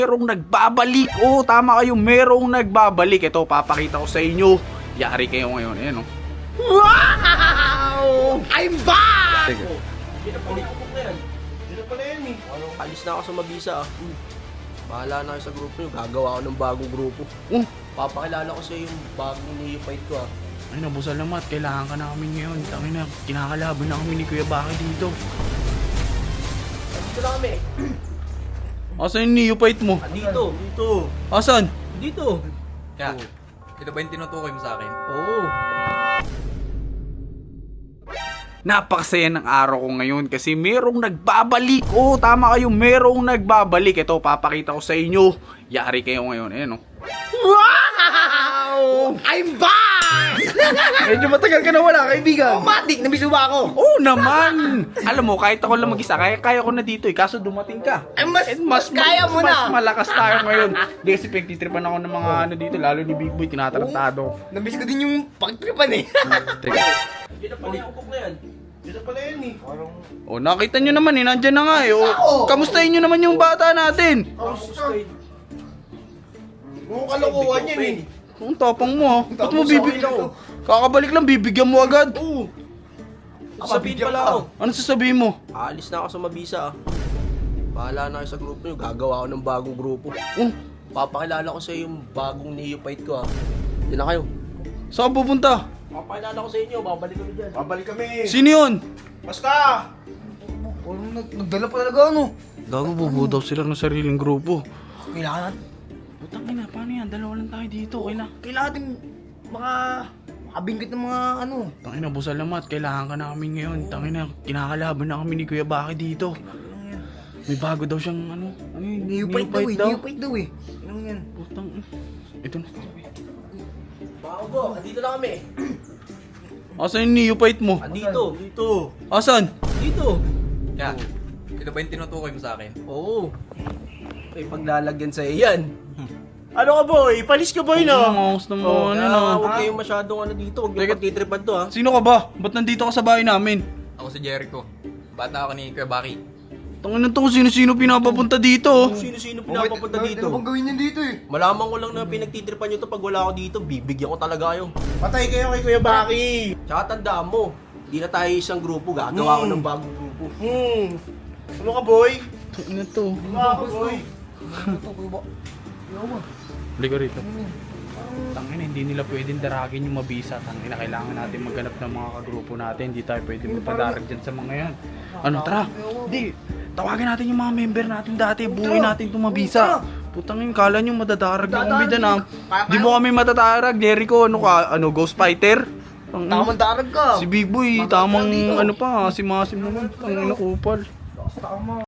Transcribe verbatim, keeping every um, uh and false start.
Merong nagbabalik. Oh, tama kayo. Merong nagbabalik. Ito, papakita ko sa inyo. Yari kayo ngayon. Ayan, oh. Wow! I'm back! Sige. Hindi na pala yung na yan. Hindi na pala yan eh. Ano, alis na ako sa Mabisa ah. Hmm. Bahala na kayo sa grupo nyo. Gagawa ako ng bagong grupo. Oh, Papakilala ko sa yung bagong neophyte ko ah. ay nabusal naman. Kailangan ka namin ngayon. Tangin na, kinakalaban na kami ni Kuya Baki dito. Dito na kami. Asan yung neophyte mo? Ah, dito. Dito. Asan? Dito. Kaya, ito ba yung tinutukoy mo sa akin? Oo. Napakasaya ng araw ko ngayon kasi merong nagbabalik. Oh, tama kayo. Merong nagbabalik. Ito, papakita ko sa inyo. Yari kayo ngayon. Ayan, oh. Wow! I'm back! Medyo matagal ka na wala, kaibigan. Matik, namiss mo ba ako? Oo naman! Alam mo, kahit ako lang mag-isa, kaya, kaya ko na dito eh. Kaso dumating ka. Ay, mas, And mas, kaya mo mas na. malakas tayo ngayon. Di kasi pagtitripan ako ng mga ano dito, lalo ni Big Boy, tinatarantado. Namiss ko din yung pagtripan eh. Teka. Hindi na pala yung upok na yan. Hindi na pala yan eh. Parang... Oh, nakita nyo naman eh, nandyan na nga eh. Oh, kamustahin nyo naman yung bata natin. Mukhang kalokohan yan eh. Ang tapang mo ha. Ba't mo Tapos bibig... ako lang. Kakabalik lang, bibigyan mo agad. Oo. Sabihin pala ako. Ano sasabihin mo? Aalis na ako sa Mabisa ah. Bahala na kayo sa grupo nyo. Gagawa ako ng bagong grupo. Oh, Papakilala ko sa yung bagong neophyte ko ah. Hindi na kayo. saan pupunta? Papakilala ko sa inyo. Babalik kami dyan. Babalik kami. Sino yun? Basta! Parang nagdala pa talaga ano. Gago, bubuo daw sila ng sariling grupo. Kailangan. Putang ina, paano yan? Dalawa lang tayo dito, okay na. Kailangan natin mga makabingkit ng mga ano. Tangina, busal naman. Kailangan ka namin ngayon. Tangina, kinakalaban na kami ni Kuya Baki dito. May bago daw siyang ano. Ano yun? Neophyte daw eh. daw. Neophyte daw eh. Ano yan? Putang. Ito na. Bago, andito na kami. Asan yung neophyte mo? Andito. Dito. Asan? Dito. Kaya, ito ba yung tinutukoy mo sa akin? Oo. May paglalagyan sa iyan. Ano ka boy? Palis ka boy Ang angas ng mga ano na. Huwag kayong masyadong ano dito. Huwag Teka. yung pagtitripan to ha. Sino ka ba? Ba't nandito ka sa bahay namin? Ako si Jericho. Bata ako ni Kuya Baki. Tangina to kung sino-sino pinapapunta dito. Sino-sino pinapapunta dito? Ano bang gawin niyan dito eh? Malaman ko lang na pinagtitripan nyo to pag wala ako dito. Bibigyan ko talaga kayo. Patay kayo kay Kuya Baki. Tsaka tandaan mo, hindi na tayo isang grupo. Gagawa ko ng bagong grupo. Hmm. Ano ka boy? Ano to? Ano ka boy? Halika rito. Tangina, hindi nila pwedeng daragin yung Mabisa. Tangina, kailangan natin maghanap ng mga kagrupo natin. Hindi tayo pwedeng magpadarag dyan sa mga yan. Ano, tara. Hindi. Tawagin natin yung mga member natin dati. Buuin natin itong Mabisa. Putang yun, kala nyo madadarag yung umbida na. Di mo kami matatarag. Jericho, ano ka? Ano, Ghost Fighter? Tangina. Tamang darag ka. Si Big Boy, tamang ano pa. Si Masim naman. Tangina, kupal. Tama.